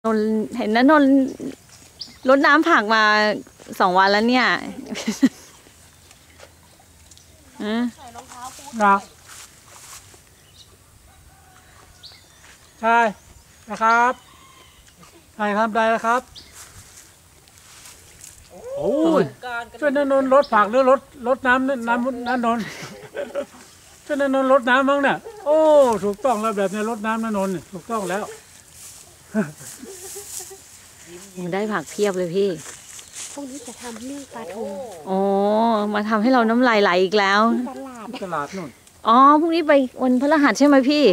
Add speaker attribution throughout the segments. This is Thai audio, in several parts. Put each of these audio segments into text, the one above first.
Speaker 1: นนเห็นนะนนรดน้ำผักมา2 วันแล้วเนี่ย
Speaker 2: นะใช่นะครับใช่ครับได้แล้วครับโอ้ยช่วยนนท์รดผักหรือรดน้ำน้ำนนท์ช่วยนนท์รดน้ำมั้งเนี่ยโอ้ถูกต้องแล้วแบบนี้รดน้ำนนท์ถูกต้องแล้ว
Speaker 1: ได้ผักเพียบเลยพี่
Speaker 3: พรุ่งนี้จะทำเรื่องปลาทู
Speaker 1: อ๋อมาทำให้เราน้ำลายไหลอีกแล้ว
Speaker 2: ตลาดนู่น
Speaker 1: อ๋อพรุ่งนี้ไปวันพฤหัสใช่ไหมพี่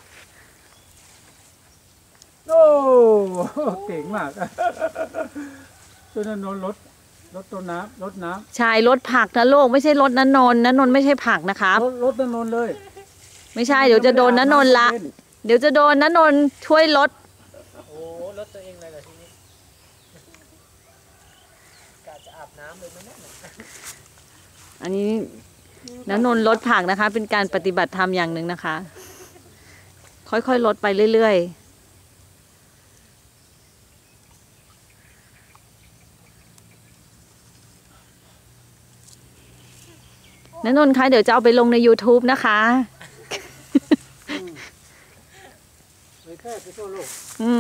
Speaker 2: โอ้เก่งมากช่วยนนท์รดต้นน้ำรดน้ำ
Speaker 1: ใช่รดผักนะโลกไม่ใช่รดนนท์ไม่ใช่ผักนะครับ
Speaker 2: รดนนท์เลย
Speaker 1: ไม่ใช่เดี๋ยวจะโดนนนท์ละเดี๋ยวจะโดนนนท์ช่วยรด
Speaker 4: โอ้รถตัวเองเลยเหรอทีนี้กะจะอาบน้ำเลยไหมเนี่ย
Speaker 1: อันนี้นนท์รดผักนะคะเป็นการปฏิบัติธรรมอย่างหนึ่งนะคะ ค่อยๆลดไปเรื่อยๆนนท์คะเดี๋ยวจะเอาไปลงใน YouTube นะคะ
Speaker 2: แค่ไปทั่วโลก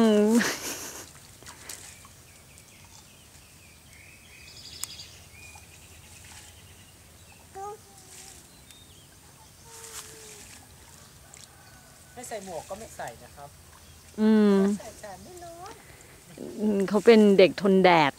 Speaker 4: ไม่ใส่หมวกก็ไม่ใส่นะครับ
Speaker 1: เขาเป็นเด็กทนแดด